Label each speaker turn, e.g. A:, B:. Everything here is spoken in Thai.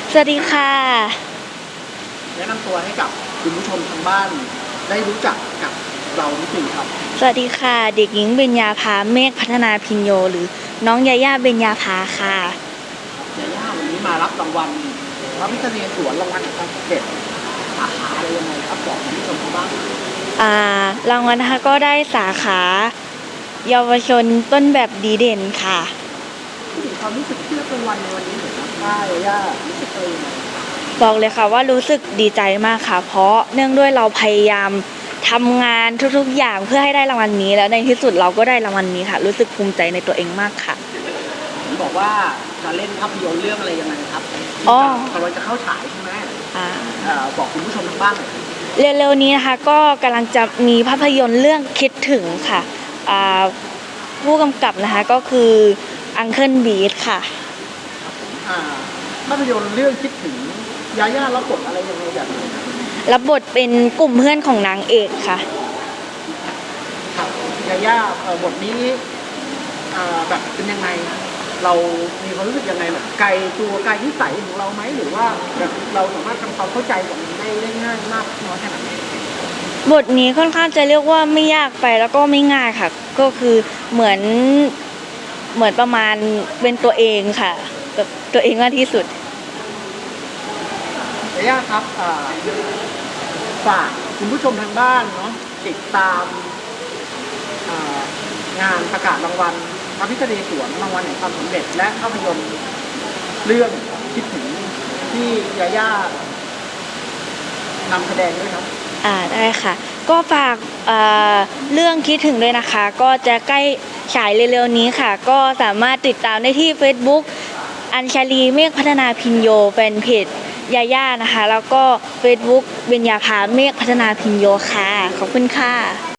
A: สวัสดีค่ะ
B: แนะนำตัวให้กับคุณผู้ชมทางบ้านได้รู้จักกับเรานิดนึงครับ
A: สวัสดีค่ะเด็กหญิงเบญญาภาเมฆพัฒนาพิญโยหรือน้องยาย่าเบญญาภาค่ะ
B: ยาย่าวันนี้มารับรางวัลพระพิฆเนศวรรางวัลแห่งความสำเร็จสาขาอะไรยังไงครับบอกคุณผู้ชมทางบ้าน
A: รางวัลนะคะก็ได้สาขาเยาวชนต้นแบบดีเด่นค่ะ
B: พูดถึงความรู้สึกที่รับรางวัลในวันนี้หน่อยครับว่ายาย่ารู้สึกยังไง
A: บอกเลยค่ะว่ารู้สึกดีใจมากค่ะเพราะเนื่องด้วยเราพยายามทำงานทุกๆอย่างเพื่อให้ได้รางวัลนี้แล้วในที่สุดเราก็ได้รางวัลนี้ค่ะรู้สึกภูมิใจในตัวเองมากค่ะ
B: บอกว่าจะเล่นภาพยนตร์เรื่องอะไรยังไงครับกำลังจะเข้าฉายใช่ไหมบอกคุณผู้ชมทางบ้านหน่อย
A: เร็วๆนี้นะคะก็กำลังจะมีภาพยนตร์เรื่องคิดถึงค่ะผู้กำกับนะคะก็คืออังเคิลบีทค่ะ
B: ภาพยนตร์เรื่องคิดถึงยาย่ารับบทอะไรยังไงแบบไหนครับ
A: รับบทเป็นกลุ่มเพื่อนของนางเอกค่ะ
B: ครับยาย่าบทนี้แบบเป็นยังไงเรามีความรู้สึกยังไงแบบไกลตัวไกลนิสัยของเราไหมหรือว่าแบบเราสามารถทำความเข้าใจกับมันได้ง่ายมากน้อยแค่ไหน
A: บทนี้ค่อนข้างจะเรียกว่าไม่ยากไปแล้วก็ไม่ง่ายค่ะก็คือเหมือนประมาณเป็นตัวเองค่ะแบบตัวเองมากที่สุด
B: ยาย่าครับฝากคุณผู้ชมทางบ้านเนาะติดตามงานประกาศรางวัลพระพิฆเนศวรรางวัลแห่งความสำเร็จและภาพยนตร์เรื่องคิดถึงที่ยาย่านำแสดงด้วยครับ
A: ได้ค่ะก็ฝากเรื่องคิดถึงด้วยนะคะก็จะใกล้ฉายเร็วๆนี้ค่ะก็สามารถติดตามได้ที่ Facebook อัญชลีเมฆพัฒนาพิญโยแฟนเพจยาย่านะคะแล้วก็ Facebook เบญญาภาเมฆพัฒนาพิญโยค่ะขอบคุณค่ะ